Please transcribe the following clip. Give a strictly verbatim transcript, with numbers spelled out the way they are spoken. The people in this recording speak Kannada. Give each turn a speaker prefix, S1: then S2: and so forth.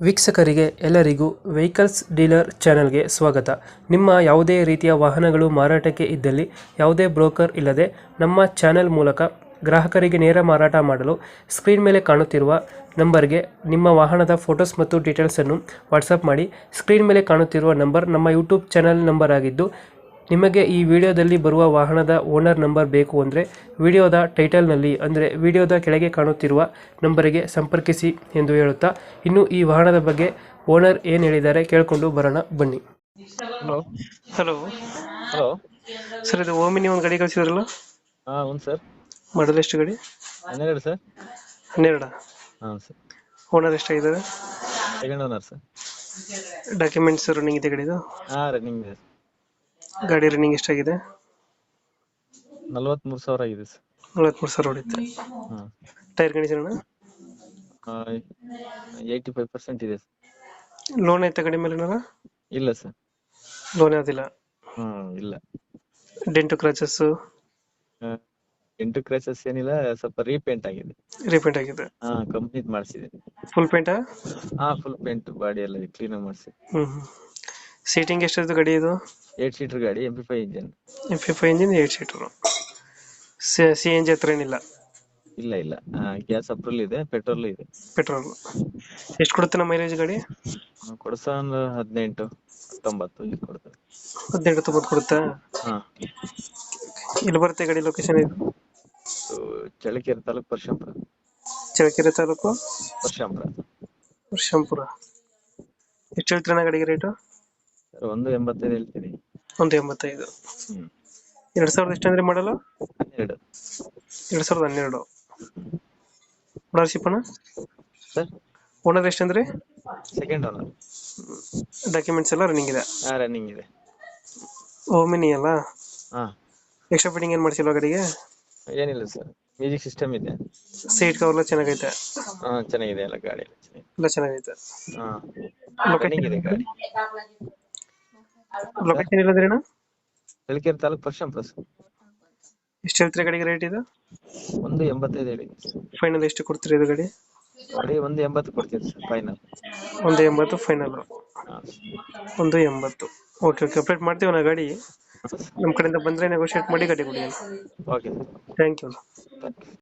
S1: ವೀಕ್ಷಕರಿಗೆ ಎಲ್ಲರಿಗೂ ವೆಹಿಕಲ್ಸ್ ಡೀಲರ್ ಚಾನೆಲ್ಗೆ ಸ್ವಾಗತ. ನಿಮ್ಮ ಯಾವುದೇ ರೀತಿಯ ವಾಹನಗಳು ಮಾರಾಟಕ್ಕೆ ಇದ್ದಲ್ಲಿ ಯಾವುದೇ ಬ್ರೋಕರ್ ಇಲ್ಲದೆ ನಮ್ಮ ಚಾನೆಲ್ ಮೂಲಕ ಗ್ರಾಹಕರಿಗೆ ನೇರ ಮಾರಾಟ ಮಾಡಲು ಸ್ಕ್ರೀನ್ ಮೇಲೆ ಕಾಣುತ್ತಿರುವ ನಂಬರ್ಗೆ ನಿಮ್ಮ ವಾಹನದ ಫೋಟೋಸ್ ಮತ್ತು ಡೀಟೇಲ್ಸನ್ನು ವಾಟ್ಸಪ್ ಮಾಡಿ. ಸ್ಕ್ರೀನ್ ಮೇಲೆ ಕಾಣುತ್ತಿರುವ ನಂಬರ್ ನಮ್ಮ ಯೂಟ್ಯೂಬ್ ಚಾನೆಲ್ ನಂಬರ್ ಆಗಿದ್ದು, ನಿಮಗೆ ಈ ವಿಡಿಯೋದಲ್ಲಿ ಬರುವ ವಾಹನದ ಓನರ್ ನಂಬರ್ ಬೇಕು ಅಂದರೆ ವಿಡಿಯೋದ ಟೈಟಲ್ನಲ್ಲಿ ಅಂದರೆ ವಿಡಿಯೋದ ಕೆಳಗೆ ಕಾಣುತ್ತಿರುವ ನಂಬರಿಗೆ ಸಂಪರ್ಕಿಸಿ ಎಂದು ಹೇಳುತ್ತಾ, ಇನ್ನು ಈ ವಾಹನದ ಬಗ್ಗೆ ಓನರ್ ಏನು ಹೇಳಿದ್ದಾರೆ ಕೇಳಿಕೊಂಡು ಬರೋಣ ಬನ್ನಿ.
S2: ಹಲೋ
S1: ಹಲೋ
S2: ಹಲೋ
S1: ಸರ್, ಇದು ಓಮಿನಿ ಒಂದು ಗಾಡಿ ಕಳಿಸಿದ್ರಲ್ಲ,
S2: ಹಾ ಹೌದು ಸರ್.
S1: ಮಾಡಲ್ ಎಷ್ಟು ಗಾಡಿ?
S2: ಹನ್ನೆರಡು ಸರ್.
S1: ಹನ್ನೆರಡ.
S2: ಹಾಂ ಸರ್.
S1: ಓನರ್ ಎಷ್ಟಾಗಿದ್ದಾರೆ?
S2: Second owner sir.
S1: Documents running ಇದೆ ಗಾಡಿದು?
S2: ಹಾಂ ರನ್ನಿಂಗ್ ಇದೆ.
S1: ಗಾಡಿ ರನ್ನಿಂಗ್ ಎಷ್ಟಾಗಿದೆ?
S2: ನಲ್ವತ್ಮೂರು ಸಾವಿರ ಆಗಿದೆ ಸರ್.
S1: ನಲವತ್ಮೂರು ಸಾವಿರ ಹೊಡಿತೆ.
S2: ಹಾಂ
S1: tyre condition
S2: eighty five percent ಇದೆ ಸರ್.
S1: ಲೋನ್ ಐತೆ ಗಾಡಿ ಮೇಲೆ ಏನಾರ?
S2: ಇಲ್ಲ ಸರ್.
S1: ಲೋನ್ ಯಾವುದಿಲ್ಲ?
S2: ಹ್ಮ್ ಇಲ್ಲ.
S1: ಡೆಂಟು ಕ್ರಾಚಸ್
S2: ಆ, ಎಂಟು ಕ್ರೈಸಸ್ ಏನಿಲ್ಲ, ಸ್ವಲ್ಪ ರೀಪೇಂಟ್ ಆಗಿದೆ.
S1: ರೀಪೇಂಟ್ ಆಗಿದೆ?
S2: ಹಾ ಕಂಪ್ನೀಟ್ ಮಾಡಿಸಿದೆ.
S1: ಫುಲ್ ಪೇಂಟಾ?
S2: ಹಾ ಫುಲ್ ಪೇಂಟ್ ಬಾಡಿ ಎಲ್ಲ ಕ್ಲೀನ್ ಮಾಡಿಸಿ.
S1: ಹ್ಮ್ ಸೀಟಿಂಗ್ ಎಷ್ಟಿದೆ ಗಾಡಿ ಇದು?
S2: ಏಟ್ ಸೀಟರ್ ಗಾಡಿ, M P five engine.
S1: M P five engine, eight seater. C N G ಹತ್ರ ಏನಿಲ್ಲ?
S2: ಇಲ್ಲ ಇಲ್ಲ, ಗ್ಯಾಸ್ ಅಪ್ರೂವಲ್ ಇದೆ, ಪೆಟ್ರೋಲ್ ಇದೆ.
S1: ಪೆಟ್ರೋಲ್. ಎಷ್ಟು ಕೊಡುತ್ತೆ ನಮ್ಮ ಮೈಲೇಜ್ ಗಾಡಿ?
S2: ಕೊಡ್ಸ ಒಂದು ಹದಿನೆಂಟು ಹತ್ತೊಂಬತ್ತು ಇದು ಕೊಡ್ತದೆ.
S1: ಹದಿನೆಂಟು ತೊಂಬತ್ತು ಕೊಡುತ್ತಾ?
S2: ಹಾ
S1: ಇಲ್ಲಿ ಬರುತ್ತೆ ಗಾಡಿ ಲೊಕೇಶನ್? ಇದು
S2: ಇದು ಚಳ್ಳಕೆರೆ ತಾಲೂಕು ಪರಶಂಪುರ.
S1: ಚಳ್ಳಕೆರೆ ತಾಲೂಕು
S2: ಪರಶಂಪುರ.
S1: ವರ್ಷಂಪುರ. ಎಷ್ಟು ಹೇಳ್ತೀರಣ್ಣ ಗಾಡಿಗೆ ರೇಟು?
S2: ಸರ್ ಒಂದು ಎಂಬತ್ತೈದು ಹೇಳ್ತೀನಿ.
S1: ಒಂದು ಎಂಬತ್ತೈದು.
S2: ಹ್ಮ್
S1: ಎರಡ್ ಸಾವಿರದ ಎಷ್ಟು ಅಂದ್ರೆ ಮಾಡಲ್ಲ?
S2: ಹನ್ನೆರಡು.
S1: ಎರಡ್ ಸಾವಿರದ ಹನ್ನೆರಡು. ಓನರ್ಶಿಪ್ ಅಣ್ಣ?
S2: ಸರ್
S1: ಓನರ್ ಎಷ್ಟಂದ್ರೆ?
S2: Second owner.
S1: ಡಾಕ್ಯುಮೆಂಟ್ಸ್ ಎಲ್ಲ ರನ್ನಿಂಗ್ ಇದೆ?
S2: ಹಾ ರನ್ನಿಂಗ್ ಇದೆ.
S1: ಓಮಿನಿ ಅಲ್ಲ?
S2: ಹಾ
S1: ಎಕ್ಸ್ಟ್ರಾ ಫಿಟ್ಟಿಂಗ್ ಏನ್ ಮಾಡ್ಸಿಲ್ವಾ ಗಾಡಿಗೆ?
S2: ಏನಿಲ್ಲ ಸರ್, ಮ್ಯೂಸಿಕ್ ಸಿಸ್ಟಮ್ ಇದೆ.
S1: ಸೀಟ್ ಕವರ್ ಎಲ್ಲ ಚೆನ್ನಾಗೈತೆ?
S2: ಹಾ ಚೆನ್ನಾಗಿದೆ, ಎಲ್ಲ ಗಾಡಿ ಎಲ್ಲ ಚೆನ್ನಾಗಿದೆ.
S1: ಎಲ್ಲ ಚೆನ್ನಾಗೈತೆ.
S2: ಹಾ
S1: ಲೊಕೇಶನ್
S2: ರನ್ನಿಂಗ್ ಇದೆ ಗಾಡಿ.
S1: ಲೊಕೇಶನ್ ಇಲ್ಲಂದ್ರೆ ಅಣ್ಣ?
S2: ಚಳ್ಳಕೆರೆ ತಾಲೂಕು ಪರಶಂಪುರ ಸರ್.
S1: ಎಷ್ಟು ಹೇಳ್ತೀರಾ ಗಾಡಿಗೆ ರೇಟ್ ಇದು?
S2: ಒಂದು ಎಂಬತ್ತೈದು ಹೇಳಿ.
S1: ಫೈನಲ್ ಎಷ್ಟು ಕೊಡ್ತೀರಾ ಇದು ಗಾಡಿ?
S2: ಗಾಡಿ ಒಂದು ಎಂಬತ್ತು ಕೊಡ್ತೀವಿ ಸರ್ ಫೈನಲ್.
S1: ಒಂದು ಎಂಬತ್ತು ಫೈನಲ್? ಒಂದು ಎಂಬತ್ತು. ಓಕೆ ಓಕೆ, ಅಪ್ಡೇಟ್ ಮಾಡ್ತೀವಿ ನಾ ಗಾಡಿ. ನಮ್ಮ ಕಡೆಯಿಂದ ಬಂದರೆ ನೆಗೋಷಿಯೇಟ್ ಮಾಡಿ ಗಾಡಿ ಕೊಡಿ.
S2: Okay
S1: thank you.
S2: ಸರ್.